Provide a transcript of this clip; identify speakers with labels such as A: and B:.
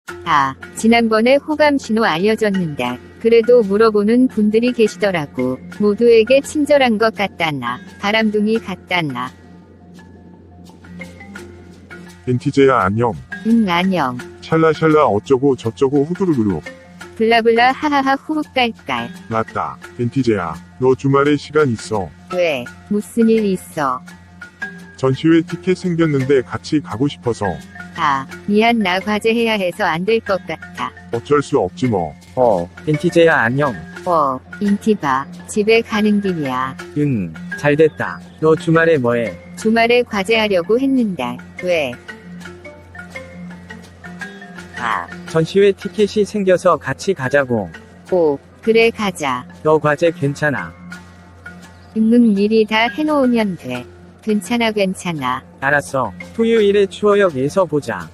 A: 지난번에 호감 신호 알려줬는데 그래도 물어보는 분들이 계시더라고. 모두에게 친절한 것 같다나 바람둥이 같다나.
B: NTJ야 안녕.
A: 응 안녕.
B: 샬라샬라 어쩌고 저쩌고 후두루루루.
A: 블라블라 하하하 후후 깔깔.
B: 맞다. NTJ야. 너 주말에 시간 있어?
A: 왜? 무슨 일 있어?
B: 전시회 티켓 생겼는데 같이 가고 싶어서.
A: 미안 나 과제해야 해서 안 될 것 같아.
B: 어쩔 수 없지 뭐.
C: NTJ야 안녕.
A: 인티바. 집에 가는 길이야.
C: 응, 잘됐다. 너 주말에 뭐해?
A: 주말에 과제하려고 했는데. 왜?
C: 전시회 티켓이 생겨서 같이 가자고.
A: 그래 가자.
C: 너 과제 괜찮아?
A: 응응 미리 다 해놓으면 돼. 괜찮아.
C: 알았어. 토요일에 추어역에서 보자.